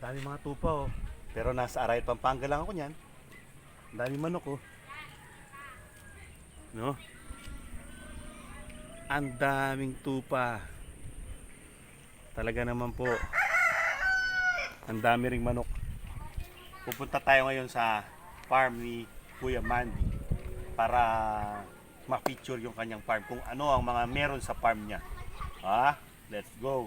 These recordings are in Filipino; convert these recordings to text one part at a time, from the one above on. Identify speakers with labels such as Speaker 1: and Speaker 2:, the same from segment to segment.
Speaker 1: Dami mga tupa oh. Pero nasa Arayat, Pampanga lang ako niyan. Dami manok oh. No? Ang daming tupa. Talaga naman po. Ang dami ring manok. Pupunta tayo ngayon sa farm ni Kuya Mandy para ma-feature yung kanyang farm, kung ano ang mga meron sa farm niya. Let's go.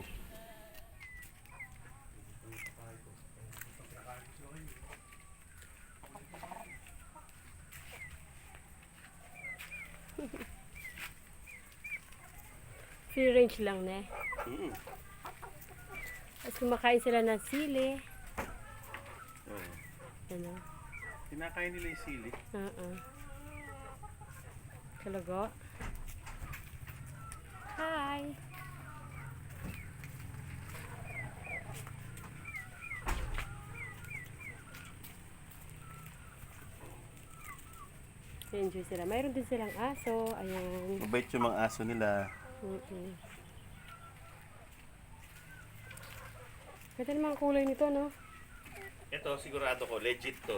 Speaker 2: Free range lang na eh.
Speaker 1: Mm.
Speaker 2: Tapos kumakain sila ng sili.
Speaker 1: Oh.
Speaker 2: Ano?
Speaker 1: Kinakain nila yung sili.
Speaker 2: Kalago. Hi! Enjoy sila. Mayroon din silang aso. Ayan.
Speaker 1: Mabait yung mga aso nila.
Speaker 2: Ganda naman ang kulay nito, no?
Speaker 1: Ito, sigurado ko, legit to.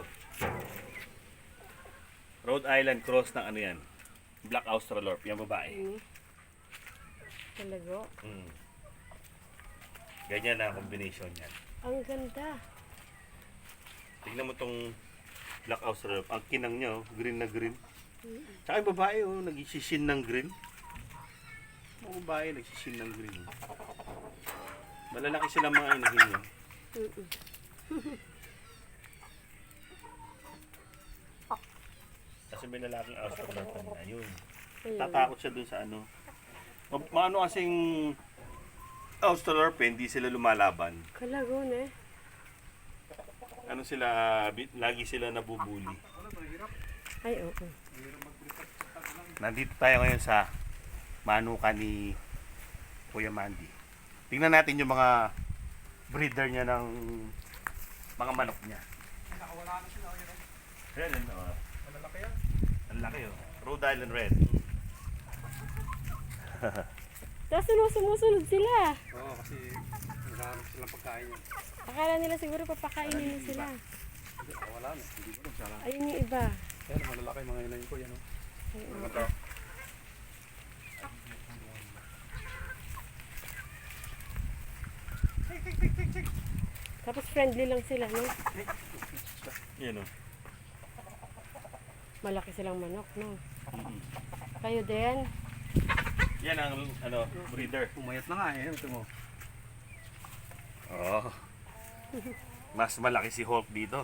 Speaker 1: Rhode Island cross ng ano yan? Black Australorp, yung babae.
Speaker 2: Kalago.
Speaker 1: Ganyan na combination yan.
Speaker 2: Ang ganda.
Speaker 1: Tignan mo tong Black Australorp. Ang kinang niya, oh, green na green. Tsaka yung babae, oh, nagsishin ng green. Yung babae, nagsishin ng green. Malalaki silang mga inahin niya. Kasi may lalaking Australorp na yun. Tatakot siya dun sa ano. Maano kasing Australorp, hindi sila lumalaban.
Speaker 2: Kalago na eh.
Speaker 1: Ano sila, lagi sila nabubuli.
Speaker 2: Ay, oo.
Speaker 1: Nandito tayo ngayon sa manuka ni Kuya Mandy. Tingnan natin yung mga breeder niya ng mga manok niya.
Speaker 3: Nakawala na sila.
Speaker 1: Ayan,
Speaker 3: Malalaki yan.
Speaker 1: ang laki oh. Rhode Island Red.
Speaker 2: Tapos sumusunod sila.
Speaker 3: Oo, kasi naghahanap silang pagkain yan.
Speaker 2: Akala nila siguro papakainin na sila.
Speaker 3: Hindi, wala na. Hindi ko lang sana.
Speaker 2: Ayun yung iba.
Speaker 3: Ayan, malalaki mga inayin ko yan.
Speaker 2: Ay, oo.
Speaker 3: Ito.
Speaker 2: Tapos friendly lang sila, no?
Speaker 1: Yan oh.
Speaker 2: Malaki silang manok, no? Kayo din?
Speaker 1: Yan ang ano, breeder.
Speaker 3: Umayat na nga eh. Ito mo.
Speaker 1: Oh. Mas malaki si Hulk dito.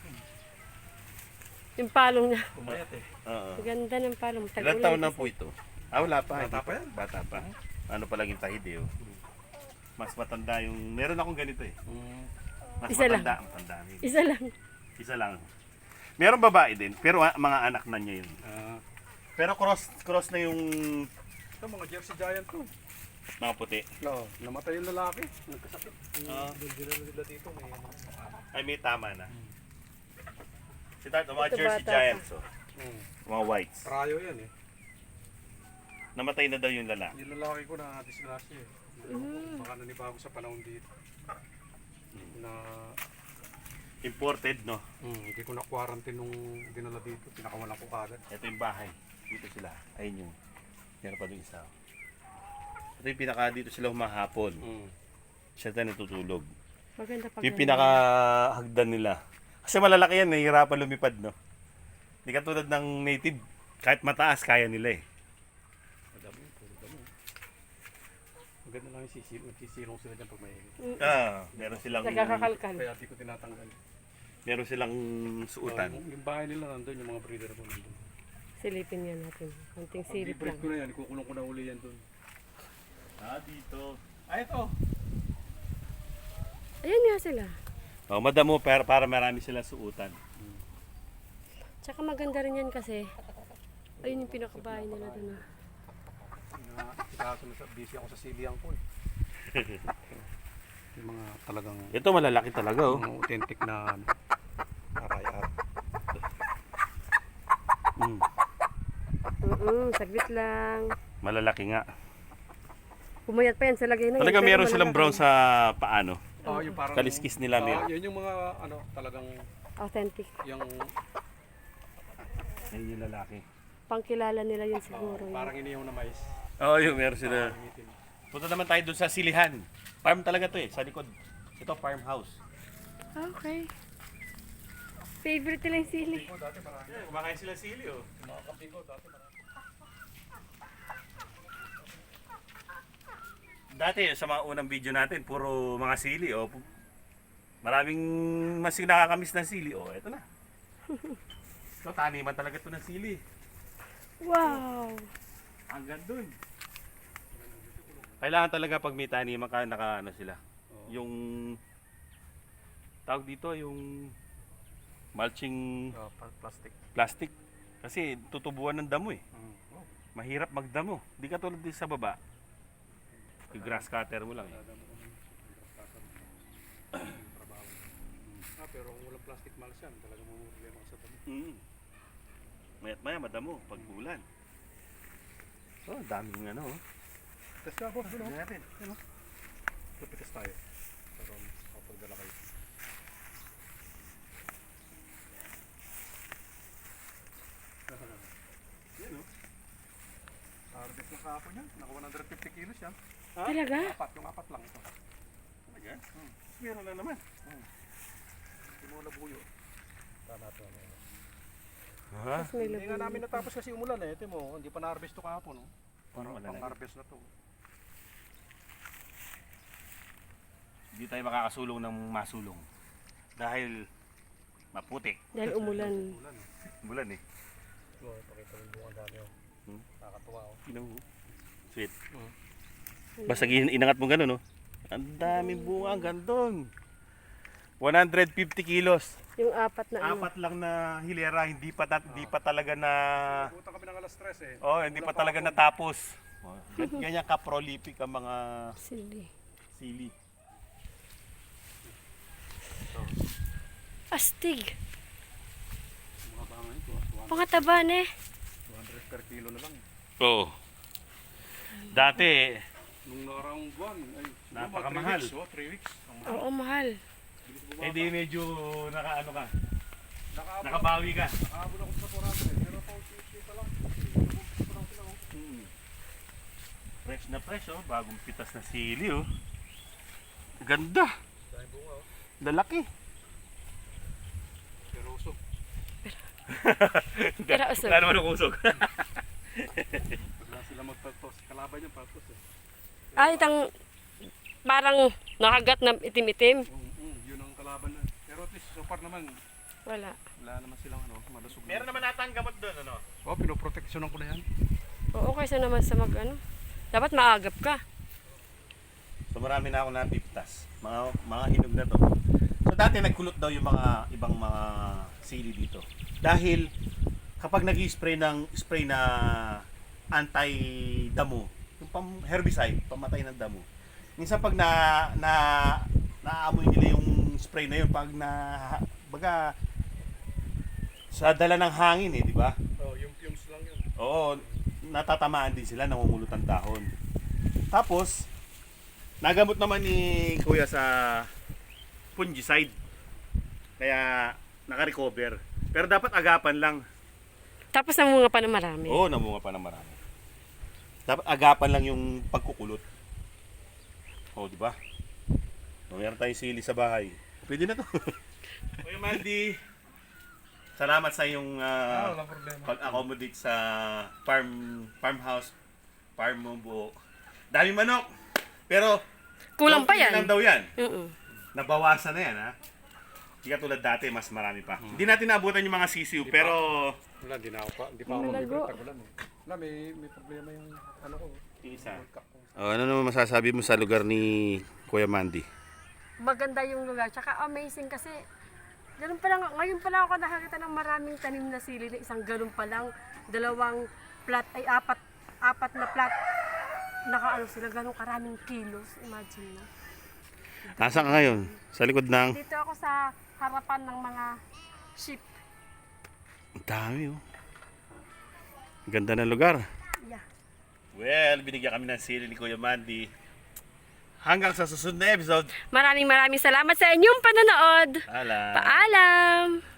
Speaker 2: Yung palong niya.
Speaker 3: Umayat eh.
Speaker 1: Oo.
Speaker 2: Ganda ng palong.
Speaker 1: Ilan taon na po ito? Wala pa.
Speaker 3: Bata pa yan?
Speaker 1: Bata pa. Ano pa lang yung tahid eh oh. Mas matanda yung... Meron akong ganito eh. Mas
Speaker 2: Isa lang.
Speaker 1: matanda ang tanda niya.
Speaker 2: Isa lang.
Speaker 1: Isa lang. Meron babae din, pero mga anak na niya yun. Pero cross na yung
Speaker 3: Ito mga Jersey Giant to.
Speaker 1: mga puti.
Speaker 3: Oo, namatay yung lalaki. Nagkasakit.
Speaker 1: Ah.
Speaker 3: Nila dito. May
Speaker 1: Ay, may tama na. Si Tato, mga
Speaker 2: Ito
Speaker 1: Jersey
Speaker 2: bata
Speaker 1: Giants, oh. Mga whites.
Speaker 3: Rayo yan eh.
Speaker 1: Namatay na daw yung lalaki.
Speaker 3: Yung lalaki ko na disgrasya eh. Baka nanibago sa panahon dito. Na
Speaker 1: Imported, no?
Speaker 3: hindi ko na quarantine nung dinala dito. Pinakawalan ko kagad.
Speaker 1: Ito yung bahay. Dito sila. Ayun yung. Meron pa doon isa. Ito yung pinaka dito sila humahapon. Siya tayo natutulog.
Speaker 2: Maganda pag
Speaker 1: Yung pinaka hagdan nila. Kasi malalaki yan, nahihirapan lumipad, no? Hindi katulad ng native. Kahit mataas, kaya nila eh.
Speaker 3: Madami, puro dami. Maganda lang yung nagsisilong sila dyan pag may
Speaker 1: Meron silang
Speaker 2: nagkakakalkal.
Speaker 3: kaya di ko tinatanggal.
Speaker 1: meron silang suutan.
Speaker 3: Yung bahay nila nandun, yung mga breeder ko nandun.
Speaker 2: Silipin yan natin. Konting silip
Speaker 3: I-breed
Speaker 2: lang.
Speaker 3: ko na yan, ikukulong ko na uli yan dun.
Speaker 1: Dito.
Speaker 3: Ito!
Speaker 2: Ayan nga sila.
Speaker 1: Oh, madamo para marami silang suutan.
Speaker 2: Tsaka maganda rin yan kasi. Ayun yung pinakabahay nila doon.
Speaker 3: Busy ako sa siliang ko eh. Yung mga talagang
Speaker 1: Ito malalaki talaga oh.
Speaker 3: mga authentic na arayat.
Speaker 2: Saglit lang.
Speaker 1: Malalaki nga.
Speaker 2: Pumayat pa yan sa lagay na yan.
Speaker 1: Talaga
Speaker 2: pero
Speaker 1: meron silang
Speaker 2: malalaki.
Speaker 1: brown sa paano.
Speaker 3: Oo, yung parang
Speaker 1: Kaliskis nila
Speaker 3: Oo,
Speaker 1: nila.
Speaker 3: yun yung mga ano, talagang
Speaker 2: Authentic.
Speaker 3: yung
Speaker 1: Ayun yung lalaki.
Speaker 2: Pangkilala nila yun siguro. yun.
Speaker 3: parang inihaw na mais.
Speaker 1: Oo, yung meron sila.
Speaker 3: Parang itim.
Speaker 1: Punta naman tayo dun sa silihan. Farm talaga to eh, sa likod. Ito farmhouse.
Speaker 2: Okay. Favorite nila yung sili.
Speaker 3: Ko dati marami.
Speaker 1: Kumakain sila sili oh.
Speaker 3: Mga kapi ko dati marami.
Speaker 1: Dati sa mga unang video natin, puro mga sili oh. Maraming mas nakakamiss na sili oh. Ito na. So taniman talaga to ng sili.
Speaker 2: Wow!
Speaker 1: Hanggang dun. Kailangan talaga pag may taniman ka, naka ano sila. Yung tawag dito yung mulching
Speaker 3: Plastic.
Speaker 1: plastic. Kasi tutubuan ng damo eh.
Speaker 3: Oh.
Speaker 1: Mahirap magdamo. Di ka tulad din sa baba. Yung grass cutter mo lang eh.
Speaker 3: Pero kung walang plastic malas yan, talagang mamumulya mga sa dami.
Speaker 1: Mayat maya madamo pag ulan. Oh, daming ano. Oh.
Speaker 3: Test ka, boss. Ano?
Speaker 1: Natin.
Speaker 3: Lupitas tayo. Pero kapagdala kayo. Yan o. Harvest na kahapon yan. Naka 150 kilos yan.
Speaker 2: Talaga?
Speaker 3: Yung apat lang ito.
Speaker 1: Talaga? Meron na naman.
Speaker 3: Hindi mo labuyo. Tama ito.
Speaker 1: Ha?
Speaker 2: Tapos may
Speaker 3: Hindi nga
Speaker 2: labuyo
Speaker 3: namin
Speaker 2: pa.
Speaker 3: natapos kasi umulan eh. Ito mo, hindi pa na-harvest ito kahapon. Oh.
Speaker 1: Parang wala na.
Speaker 3: Pang-harvest na to.
Speaker 1: Hindi tayo makakasulong ng masulong. Dahil maputi.
Speaker 2: Dahil umulan.
Speaker 3: Ulan eh.
Speaker 1: Bulan eh.
Speaker 3: Oh, pakita mo yung bunga dami oh. Nakakatuwa oh.
Speaker 1: Tingnan mo. Sweet.
Speaker 3: Mm.
Speaker 1: Basta inangat mo gano'n, no? Ang daming bunga, ang gandong. 150 kilos.
Speaker 2: Yung apat na ano.
Speaker 1: Apat lang na hilera, hindi pa talaga na...
Speaker 3: Nabutan kami ng alas 3 eh.
Speaker 1: Oh, hindi pa talaga natapos. Oh, ganyan ka-prolific ang mga
Speaker 2: Sili.
Speaker 1: sili.
Speaker 2: Astig.
Speaker 3: Mga bangay ito.
Speaker 2: Pangataba ne.
Speaker 3: 200 per kilo na lang.
Speaker 1: Oo. Dati,
Speaker 3: Nung nakaraang buwan, ay siguro mga
Speaker 1: Napakamahal.
Speaker 3: 3 weeks. Oh, 3 weeks. Ang mahal.
Speaker 2: Oo, mahal.
Speaker 3: Bilis bumaba.
Speaker 1: hindi medyo nakaano ka,
Speaker 3: Nakaabot
Speaker 1: nakabawi ka.
Speaker 3: nakaabot ako sa 400 eh. Pero pa 50 pa lang. Pa lang sila oh.
Speaker 1: Fresh na fresh, oh. Bagong pitas na sili, oh. Ganda.
Speaker 3: Dahil bunga oh.
Speaker 1: Lalaki.
Speaker 3: Pero usok.
Speaker 2: Pero usog.
Speaker 1: Wala naman ang usog.
Speaker 3: Wala sila magpagtos. Kalaban niya pagtos eh.
Speaker 2: Ay, parang nakagat na itim-itim.
Speaker 3: Yun ang kalaban na. Pero at least so far naman,
Speaker 2: Wala.
Speaker 3: wala naman silang ano, malusog na.
Speaker 1: Meron naman nata ang gamot doon, ano?
Speaker 3: Oh, pinoproteksyonan ko na yan.
Speaker 2: Oo, kaysa naman sa ano. Dapat maagap ka.
Speaker 1: So marami na ako napiptas. Mga hinog na to. So dati nagkulot daw yung mga ibang mga sili dito. Dahil kapag nag-spray ng spray na anti-damo, yung herbicide, pamatay ng damo. Minsan pag naamoy nila yung spray na yun, pag baga sa dala ng hangin eh, di ba?
Speaker 3: Oh, yung fumes lang yun.
Speaker 1: Oo, natatamaan din sila, namumulot ang dahon. Tapos, nagamot naman ni Kuya sa fungicide. Kaya naka-recover. Pero dapat agapan lang.
Speaker 2: Tapos namunga pa na marami.
Speaker 1: Oo, namunga pa ng marami. Dapat agapan lang yung pagkukulot. Oo, di ba? Mayroon tayong sili sa bahay. Pwede na to. Kuya Mandy, salamat sa iyong
Speaker 3: Walang problema.
Speaker 1: pag-accommodate sa farmhouse, farm mo buo. Dami manok. Pero
Speaker 2: Kulang pa
Speaker 1: konti
Speaker 2: yan.
Speaker 1: lang daw yan.
Speaker 2: Oo.
Speaker 1: Nabawasan na yan, ha? Hindi ka tulad dati, mas marami pa. Hindi natin naabutan yung mga sisiw, pero
Speaker 3: Wala, hindi na ako pa. Hindi pa ako
Speaker 2: Malago.
Speaker 3: mabibilit. Tagulan eh. Wala, may problema yung ano ko.
Speaker 1: isa.
Speaker 3: World Cup ko.
Speaker 1: Ano naman masasabi mo sa lugar ni Kuya Mandy?
Speaker 2: Maganda yung lugar. Tsaka amazing kasi ganun pa lang, ngayon pa lang ako nakakita ng maraming tanim na sili na isang ganun pa lang, dalawang plat ay apat na plat. Nakaano sila ganun karaming kilos, imagine mo.
Speaker 1: Nasaan ka ngayon? Sa likod ng...
Speaker 2: Dito ako sa harapan ng mga sheep.
Speaker 1: Ang dami, oh. Ganda ng lugar.
Speaker 2: Yeah.
Speaker 1: Well, binigyan kami ng sili ni Kuya Mandy. Hanggang sa susunod na episode.
Speaker 2: Maraming salamat sa inyong panonood.
Speaker 1: Paalam.
Speaker 2: Paalam!